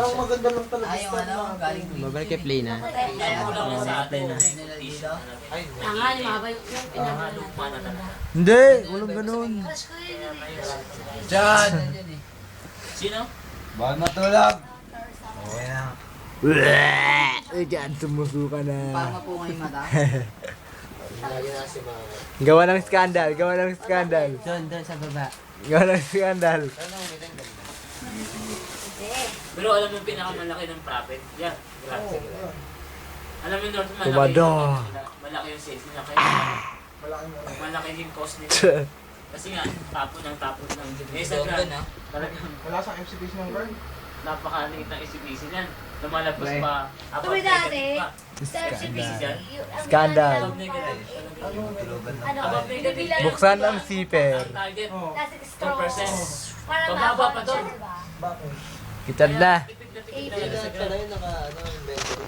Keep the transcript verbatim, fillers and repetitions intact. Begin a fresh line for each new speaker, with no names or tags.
Parang maganda lang talaga.
Ay, yung ano, galing Queen.
Babalik kay play na.
Kaya ko lang sa atin.
Ay,
Tanga, lumabay yung pinagawa natin.
Hindi, walang ganun.
Crush ko yun eh.
Diyan!
Sino?
Bawal matulog! Okay na.
Ay, dyan, sumusuka na.
Parang mapunga yung mata.
lagi na si Mama.
Gawa ng skandal, gawa ng skandal.
Doon, doon sa baba.
Gawa ng skandal.
Ano, umitin ka?
Pero alam mo yung pinakamalaki ng profit? Yan. Grabe. Alam mo yung North, malaki,
Tumado.
malaki yung sales nila. Kaya
Malaki mo.
malaki yung cost nila. Kasi nga, tapon ng tapon ng Mesa
Doon,
Grand.
ah.
Talagang
Wala sa M C P C ng girl.
napakaliit ng S C P C niyan. Lumalabas
Weh.
pa. Above
Tuloy dati.
negative pa.
Sa M C P C,
Skandal.
yung- ang
Skandal.
ano,
Above negative.
Ano,
Tulugan na.
Ano,
Above negative.
binibilang-
Buksan ang zipper.
Ang target,
Oo.
Plastic
two
straw.
percent.
Parang
Bababa pa
nakakonsya,
doon.
diba?
Bakit?
Kitad na.
Tipid na tipid
Eight
talaga sa
Kaya pala yun naka, ano, invento